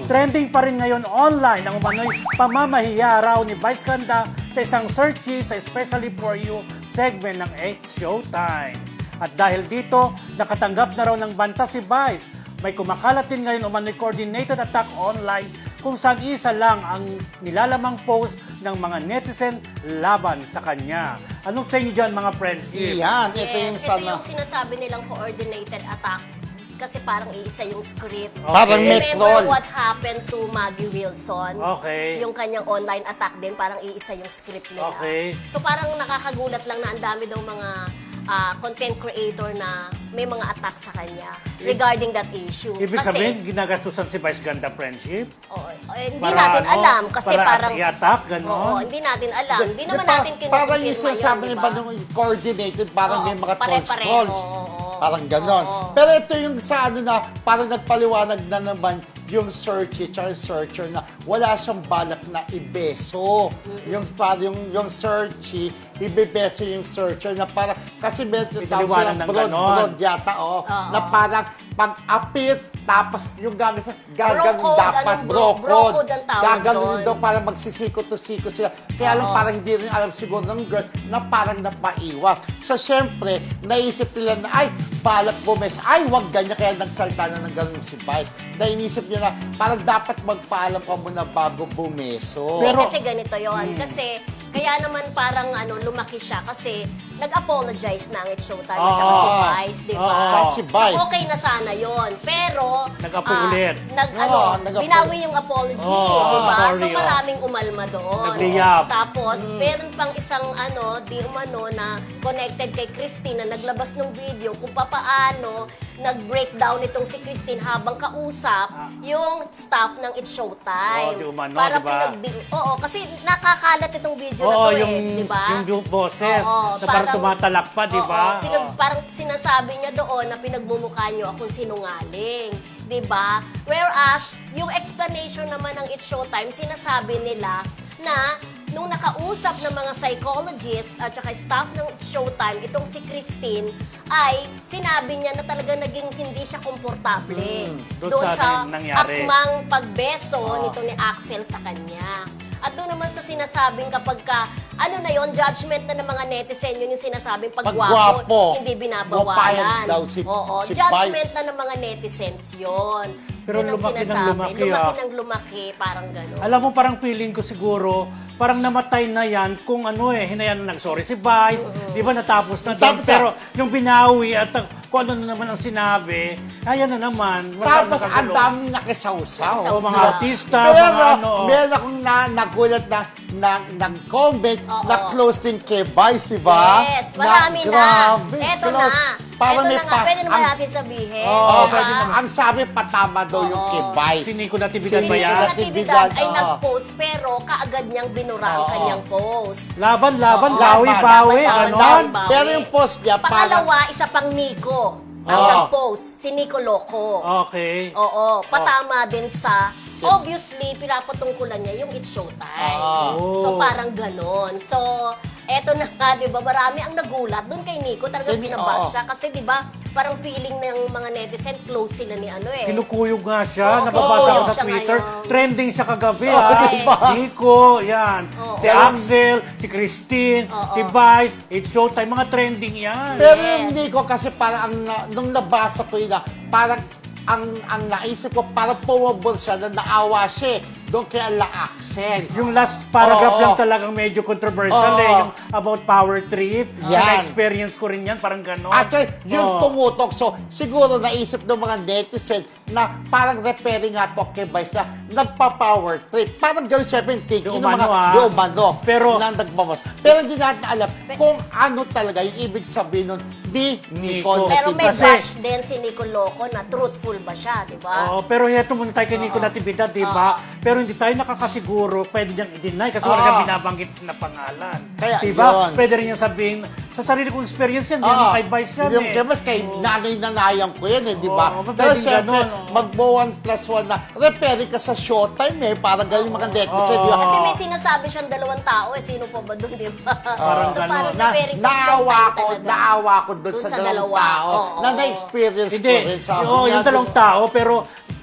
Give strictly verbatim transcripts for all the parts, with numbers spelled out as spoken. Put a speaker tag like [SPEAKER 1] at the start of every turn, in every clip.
[SPEAKER 1] Trending pa rin ngayon online ang umano'y pamamahiya raw ni Vice Ganda sa isang searchy sa Especially For You segment ng eight Showtime. At dahil dito, nakatanggap na raw ng banta si Vice. May kumakalat din ngayon umano'y coordinated attack online kung saan isa lang ang nilalamang post ng mga netizen laban sa kanya. Anong sa inyo dyan, mga friendship?
[SPEAKER 2] Iyan, ito yung
[SPEAKER 3] Yes,
[SPEAKER 2] sana.
[SPEAKER 3] ito yung sinasabi nilang coordinated attack kasi parang iisa yung script.
[SPEAKER 1] Okay.
[SPEAKER 2] Parang may
[SPEAKER 3] Remember
[SPEAKER 2] troll.
[SPEAKER 3] what happened to Maggie Wilson?
[SPEAKER 1] Okay.
[SPEAKER 3] Yung kanyang online attack din, parang iisa yung script nila.
[SPEAKER 1] Okay.
[SPEAKER 3] So parang nakakagulat lang na ang dami daw mga ah, content creator na may mga attack sa kanya regarding that issue.
[SPEAKER 1] Ibig
[SPEAKER 3] Kasi,
[SPEAKER 1] sabihin, ginagastusan si Vice Ganda friendship?
[SPEAKER 3] oo, eh, hindi
[SPEAKER 1] Para
[SPEAKER 3] natin
[SPEAKER 1] ano?
[SPEAKER 3] alam kasi
[SPEAKER 1] Para
[SPEAKER 3] parang
[SPEAKER 1] i-attack, ganon?
[SPEAKER 3] Oo, hindi natin alam. Hindi naman
[SPEAKER 2] Di, pa-
[SPEAKER 3] natin
[SPEAKER 2] Parang yung
[SPEAKER 3] kinukumpirma
[SPEAKER 2] sinasabi
[SPEAKER 3] yun,
[SPEAKER 2] ni
[SPEAKER 3] di
[SPEAKER 2] ba
[SPEAKER 3] ba?
[SPEAKER 2] nung coordinated, parang
[SPEAKER 3] Oo,
[SPEAKER 2] may mga
[SPEAKER 3] pare-pareho,
[SPEAKER 2] trolls-trolls.
[SPEAKER 3] oo.
[SPEAKER 2] Parang ganon.
[SPEAKER 3] Oo.
[SPEAKER 2] Pero ito yung sa ano na, parang nagpaliwanag na naman yung searchy tsaka yung searcher na wala siyang balak na ibeso. Yung parang yung, yung searchy, ibebeso yung searcher na parang, kasi may tinatawag
[SPEAKER 1] Pinaliwanag
[SPEAKER 2] silang
[SPEAKER 1] ng
[SPEAKER 2] broad,
[SPEAKER 1] ganon.
[SPEAKER 2] broad yata, oh,
[SPEAKER 3] Oo.
[SPEAKER 2] na parang pag-apit, tapos yung gagawin gagawin
[SPEAKER 3] code,
[SPEAKER 2] dapat,
[SPEAKER 3] anong
[SPEAKER 2] bro
[SPEAKER 3] bro- bro
[SPEAKER 2] code.
[SPEAKER 3] code ang tawag
[SPEAKER 2] Gagawin
[SPEAKER 3] doon.
[SPEAKER 2] daw para magsisiko to siko sila. Kaya lang
[SPEAKER 3] Oo.
[SPEAKER 2] parang hindi rin alam siguro ng girl na parang napaiwas. So, syempre, naisip nila na, ay, balak bumes. Ay, wag ganyan. Kaya nagsalta na ng ganun si Vice. Na inisip niya na, parang dapat magpaalam ka muna bago bumeso.
[SPEAKER 1] Pero-
[SPEAKER 3] Eh, kasi ganito yon
[SPEAKER 1] Hmm.
[SPEAKER 3] Kasi, kaya naman parang ano, lumaki siya kasi nag-apologize na ang It's Showtime
[SPEAKER 1] Oo.
[SPEAKER 3] at saka si Vice, di ba?
[SPEAKER 1] Oo.
[SPEAKER 2] Si Vice.
[SPEAKER 3] So, okay na sana yon Pero,
[SPEAKER 1] Nag-apo
[SPEAKER 3] ah,
[SPEAKER 1] ulit.
[SPEAKER 3] nag,
[SPEAKER 2] Oo,
[SPEAKER 3] ano,
[SPEAKER 2] nag-apo-
[SPEAKER 3] binawi yung apology,
[SPEAKER 1] Oo,
[SPEAKER 3] di ba?
[SPEAKER 1] sorry,
[SPEAKER 3] So,
[SPEAKER 1] oh.
[SPEAKER 3] maraming umalma doon.
[SPEAKER 1] Nagliyab.
[SPEAKER 3] Tapos,
[SPEAKER 2] Hmm.
[SPEAKER 3] meron pang isang ano, di umano na connected kay Christine na naglabas ng video kung papaano nag-breakdown itong si Christine habang kausap
[SPEAKER 1] Ah.
[SPEAKER 3] yung staff ng It's Showtime.
[SPEAKER 1] Oo, di umano,
[SPEAKER 3] Para
[SPEAKER 1] di ba?
[SPEAKER 3] pinagdi- Oo, kasi nakakalat itong video na
[SPEAKER 1] Oo,
[SPEAKER 3] to
[SPEAKER 1] yung,
[SPEAKER 3] eh, di ba?
[SPEAKER 1] yung boses
[SPEAKER 3] Oo,
[SPEAKER 1] na parang tumatalak pa, di ba?
[SPEAKER 3] Oo, pinag-
[SPEAKER 1] Oo.
[SPEAKER 3] parang sinasabi niya doon na pinagmumukha niyo akong sinungaling. Di ba? Whereas, yung explanation naman ng It's Showtime, sinasabi nila na nung nakausap ng mga psychologists at saka staff ng It's Showtime, itong si Christine, ay sinabi niya na talagang naging hindi siya komportable
[SPEAKER 1] Hmm, doon
[SPEAKER 3] doon
[SPEAKER 1] sa
[SPEAKER 3] sa
[SPEAKER 1] nangyari.
[SPEAKER 3] akmang pagbeso
[SPEAKER 2] Ah.
[SPEAKER 3] nito ni Axel sa kanya. At doon naman sa sinasabing kapag ka, ano na yon judgment na ng mga netizen, yun yung sinasabing pagwapo,
[SPEAKER 2] Pagwapo.
[SPEAKER 3] hindi
[SPEAKER 2] Mapayag
[SPEAKER 3] binabawalan.
[SPEAKER 2] daw si-
[SPEAKER 3] Oo,
[SPEAKER 2] si
[SPEAKER 3] judgment
[SPEAKER 2] Vice.
[SPEAKER 3] na ng mga netizens yon.
[SPEAKER 1] Pero
[SPEAKER 3] Yun ang
[SPEAKER 1] lumaki ng
[SPEAKER 3] sinasabi.
[SPEAKER 1] lumaki,
[SPEAKER 3] Lumaki
[SPEAKER 1] ah.
[SPEAKER 3] ng lumaki, parang gano'n.
[SPEAKER 1] Alam mo, parang feeling ko siguro, parang namatay na yan kung ano eh, hinayan na nag-sorry si Vice, di ba natapos na doon.
[SPEAKER 2] Tapos,
[SPEAKER 1] Pero yung binawi at uh, kung ano na naman ang sinabi, ayan na naman. Wala
[SPEAKER 2] Tapos,
[SPEAKER 1] nang
[SPEAKER 2] ang
[SPEAKER 1] kagulo.
[SPEAKER 2] daming nakisawsaw.
[SPEAKER 1] O, mga
[SPEAKER 3] Sa-
[SPEAKER 1] artista,
[SPEAKER 2] Pero,
[SPEAKER 1] mga ano. oh.
[SPEAKER 2] meron akong na, nagulat na, na, nag-comment
[SPEAKER 3] Oo.
[SPEAKER 2] na close din kay Vice, di ba?
[SPEAKER 3] Yes, marami na.
[SPEAKER 2] Grabe,
[SPEAKER 3] Eto
[SPEAKER 2] close.
[SPEAKER 3] na.
[SPEAKER 2] Parang
[SPEAKER 3] Eto
[SPEAKER 2] may
[SPEAKER 3] na nga,
[SPEAKER 2] pa-
[SPEAKER 3] pwede naman
[SPEAKER 2] ang-
[SPEAKER 3] natin sabihin.
[SPEAKER 1] Oo,
[SPEAKER 2] Oh,
[SPEAKER 3] di ba?
[SPEAKER 1] pwede naman.
[SPEAKER 2] ang sabi patama daw yung
[SPEAKER 3] Oo.
[SPEAKER 2] kay Vice.
[SPEAKER 1] Si Nico Natividad
[SPEAKER 2] Si
[SPEAKER 1] ba
[SPEAKER 3] Si
[SPEAKER 1] yan?
[SPEAKER 3] Nico
[SPEAKER 2] Nico
[SPEAKER 3] Natividad ay
[SPEAKER 2] oo.
[SPEAKER 3] nag-post pero kaagad niyang binura ang
[SPEAKER 2] Oo.
[SPEAKER 3] kanyang post.
[SPEAKER 1] Laban, laban,
[SPEAKER 3] Oo.
[SPEAKER 1] bawi,
[SPEAKER 2] Laban,
[SPEAKER 1] bawi,
[SPEAKER 3] laban,
[SPEAKER 1] ganon.
[SPEAKER 3] laban, bawi.
[SPEAKER 2] Pero yung post niya, parang-
[SPEAKER 3] Pangalawa, isa pang Nico ang
[SPEAKER 2] Oo.
[SPEAKER 3] nag-post. Si Nico Loco.
[SPEAKER 1] Okay.
[SPEAKER 3] Oo, patama din sa, obviously, pinapatungkulan niya yung It's Showtime.
[SPEAKER 2] Oo.
[SPEAKER 3] So, parang ganon. So, eto na nga, di ba, marami ang nagulat doon kay Nico. Talagang
[SPEAKER 2] Kay-
[SPEAKER 3] binabas
[SPEAKER 2] oo.
[SPEAKER 3] siya. Kasi, di ba, parang feeling ng mga netizen, close sila ni ano eh.
[SPEAKER 1] Kinukuyog nga siya,
[SPEAKER 3] Oo,
[SPEAKER 1] nababasa ko
[SPEAKER 3] kinukuyog
[SPEAKER 1] sa
[SPEAKER 3] siya
[SPEAKER 1] Twitter.
[SPEAKER 3] ngayon.
[SPEAKER 1] Trending siya kagabi,
[SPEAKER 2] Oo,
[SPEAKER 1] ha?
[SPEAKER 2] diba?
[SPEAKER 1] Nico, yan.
[SPEAKER 3] Oo.
[SPEAKER 1] Si Axel, si Christine,
[SPEAKER 3] Oo.
[SPEAKER 1] si Vice, It's Showtime, mga trending yan.
[SPEAKER 2] Pero
[SPEAKER 3] Yes.
[SPEAKER 2] hindi ko kasi parang ang na- nung nabasa ko yun na parang ang ang naisip ko parang pumabor siya na naawa siya eh, doon kay Ala Axel.
[SPEAKER 1] Yung last paragraph
[SPEAKER 2] Oo.
[SPEAKER 1] lang talagang medyo controversial
[SPEAKER 2] Oo.
[SPEAKER 1] eh, yung about power trip.
[SPEAKER 2] Yan.
[SPEAKER 1] Na-experience ko rin yan, parang gano'n.
[SPEAKER 2] Actually, yun
[SPEAKER 1] Oo.
[SPEAKER 2] tumutok. So, siguro naisip ng mga netizen na parang repairing nga to kay Vice na nagpa-power trip. Parang gano'n siya yung thinking
[SPEAKER 1] Di
[SPEAKER 2] ng mga
[SPEAKER 1] umano, ah.
[SPEAKER 2] di umano
[SPEAKER 1] Pero-
[SPEAKER 2] na nagbawas. Pero hindi natin alam kung ano talaga yung ibig sabihin nun ni Nico.
[SPEAKER 1] Nico.
[SPEAKER 3] Pero may
[SPEAKER 1] Kasi-
[SPEAKER 3] bash din si Nico Loco na truthful ba siya, di ba?
[SPEAKER 1] Oo, pero heto muna tayo kay Nico
[SPEAKER 3] Oo.
[SPEAKER 1] Natividad, di ba? Pero hindi tayo nakakasiguro, pwede niyang i-deny kasi wala
[SPEAKER 2] Oo.
[SPEAKER 1] siyang binabanggit na pangalan.
[SPEAKER 2] Kaya
[SPEAKER 1] di ba?
[SPEAKER 2] yun.
[SPEAKER 1] Pwede rin niyang sabihin, sa sarili kong experience yan, hindi
[SPEAKER 2] Oo.
[SPEAKER 1] naman kay Vice yan
[SPEAKER 2] Yung
[SPEAKER 1] eh.
[SPEAKER 2] kay Vice, kay nanay nanayang ko yan eh, di ba?
[SPEAKER 1] Oo,
[SPEAKER 2] Pero
[SPEAKER 1] pwedeng
[SPEAKER 2] syempre,
[SPEAKER 1] ganun, oo.
[SPEAKER 2] mag-one plus one na repairing ka sa Showtime eh. Parang ganun yung mga netizen, di ba?
[SPEAKER 3] Kasi may sinasabi siyang dalawang tao eh. Sino pa ba doon, di ba?
[SPEAKER 1] Parang
[SPEAKER 3] so,
[SPEAKER 1] ganon.
[SPEAKER 3] parang
[SPEAKER 2] Na,
[SPEAKER 3] repairing
[SPEAKER 2] naawa
[SPEAKER 3] Showtime
[SPEAKER 2] ko,
[SPEAKER 3] talaga.
[SPEAKER 2] naawa ko doon
[SPEAKER 3] Dun
[SPEAKER 2] sa,
[SPEAKER 3] sa
[SPEAKER 2] dalawang
[SPEAKER 3] dalawa.
[SPEAKER 2] tao
[SPEAKER 3] Oo,
[SPEAKER 2] na
[SPEAKER 3] oo.
[SPEAKER 2] na-experience
[SPEAKER 1] Hindi,
[SPEAKER 2] ko rin. Sabi
[SPEAKER 1] oo,
[SPEAKER 2] niya,
[SPEAKER 1] yung dalawang tao, pero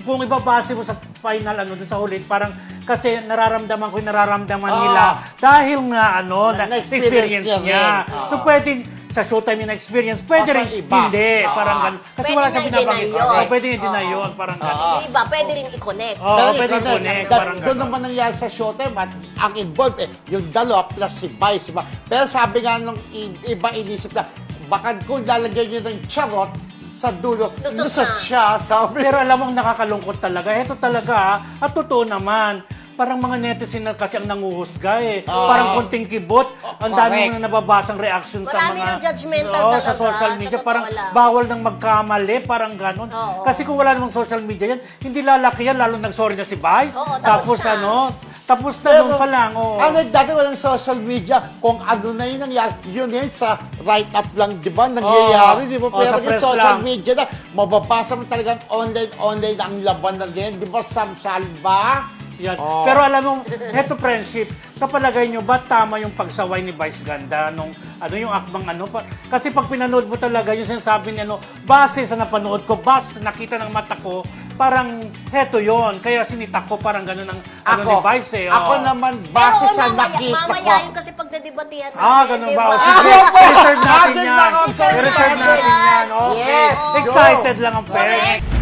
[SPEAKER 1] kung ibabase mo sa final, ano, dun sa huli, parang kasi nararamdaman ko yung nararamdaman
[SPEAKER 2] Ah.
[SPEAKER 1] nila dahil nga, ano,
[SPEAKER 2] Na-
[SPEAKER 1] na,
[SPEAKER 2] na-experience
[SPEAKER 1] experience
[SPEAKER 2] niya
[SPEAKER 1] niya.
[SPEAKER 2] rin. Ah.
[SPEAKER 1] So, pwedeng sa Showtime yung experience, pwede
[SPEAKER 2] Ah, sa
[SPEAKER 1] rin
[SPEAKER 2] iba.
[SPEAKER 1] hindi.
[SPEAKER 2] Ah.
[SPEAKER 1] Parang ganun. Kasi
[SPEAKER 3] Pwede
[SPEAKER 1] wala
[SPEAKER 3] nga
[SPEAKER 1] siyang binabanggit.
[SPEAKER 3] i-deny yun.
[SPEAKER 1] Oh, pwede yung i-deny
[SPEAKER 3] Oo.
[SPEAKER 1] yun. Parang
[SPEAKER 2] Ah.
[SPEAKER 1] ganun.
[SPEAKER 3] Yung iba, pwede rin i-connect.
[SPEAKER 1] Oo,
[SPEAKER 2] Pero
[SPEAKER 1] pwede
[SPEAKER 2] ikaw,
[SPEAKER 1] connect,
[SPEAKER 2] da-
[SPEAKER 1] parang
[SPEAKER 2] doon
[SPEAKER 1] ganun.
[SPEAKER 2] naman nangyari sa Showtime at ang involved eh, yung dalawa plus si Vice, diba? Pero sabi nga nung i- iba inisip na, baka kung lalagyan nyo ng charot sa dulo,
[SPEAKER 3] Lusot
[SPEAKER 2] lusot
[SPEAKER 3] na.
[SPEAKER 2] siya, sabi.
[SPEAKER 1] Pero alam mo, nakakalungkot talaga. Ito talaga, ah, at totoo naman. Parang mga netizen na kasi ang nanguhusga eh.
[SPEAKER 2] Oo.
[SPEAKER 1] Parang konting kibot. Ang dami
[SPEAKER 2] correct.
[SPEAKER 1] mo na nababasang reaction sa
[SPEAKER 3] Marami
[SPEAKER 1] mga...
[SPEAKER 3] ng judgmental
[SPEAKER 1] Oo, sa
[SPEAKER 3] talaga,
[SPEAKER 1] social
[SPEAKER 3] sa
[SPEAKER 1] media.
[SPEAKER 3] totoo
[SPEAKER 1] Parang
[SPEAKER 3] lang.
[SPEAKER 1] bawal nang magkamali. Parang ganon.
[SPEAKER 3] Oo.
[SPEAKER 1] Kasi kung wala namang social media yan, hindi lalaki yan. Lalo nag-sorry na si Vice.
[SPEAKER 3] Oo,
[SPEAKER 1] tapos
[SPEAKER 3] tapos na.
[SPEAKER 1] ano, tapos na nun pa lang. Oh.
[SPEAKER 2] ano, dati walang social media, kung ano na yun nangyari, yun yun sa write-up lang, di ba? Nangyayari,
[SPEAKER 1] Oo.
[SPEAKER 2] di ba?
[SPEAKER 1] Oo,
[SPEAKER 2] Pero
[SPEAKER 1] sa
[SPEAKER 2] yung
[SPEAKER 1] press
[SPEAKER 2] social
[SPEAKER 1] lang.
[SPEAKER 2] media na, mababasa mo talagang online-online ang laban na ngayon, di ba? Sam Salva?
[SPEAKER 1] Yan.
[SPEAKER 2] Oo.
[SPEAKER 1] Pero alam mo, heto friendship, sa palagay nyo ba tama yung pagsaway ni Vice Ganda nung ano yung akbang ano pa? Kasi pag pinanood mo talaga yung sinasabi niya no, base sa napanood ko, base sa nakita ng mata ko, parang heto yon. Kaya sinita ko parang ganun ang ano
[SPEAKER 2] Ako,
[SPEAKER 1] ni Vice eh.
[SPEAKER 2] ako
[SPEAKER 1] oo.
[SPEAKER 2] naman, base
[SPEAKER 3] Pero
[SPEAKER 2] sa
[SPEAKER 3] mamaya,
[SPEAKER 2] nakita
[SPEAKER 3] mamaya
[SPEAKER 2] ko.
[SPEAKER 3] yun kasi pag nadebatihan
[SPEAKER 1] Ah,
[SPEAKER 3] natin,
[SPEAKER 1] ganun
[SPEAKER 3] di
[SPEAKER 1] ba? O,
[SPEAKER 3] ba?
[SPEAKER 1] sige,
[SPEAKER 2] Ah,
[SPEAKER 1] reserve natin
[SPEAKER 2] Natin
[SPEAKER 1] yan.
[SPEAKER 2] na ako, sir.
[SPEAKER 1] Reserve natin yan. Okay.
[SPEAKER 2] Yes, go.
[SPEAKER 1] Excited lang ang
[SPEAKER 3] Correct.
[SPEAKER 1] parents.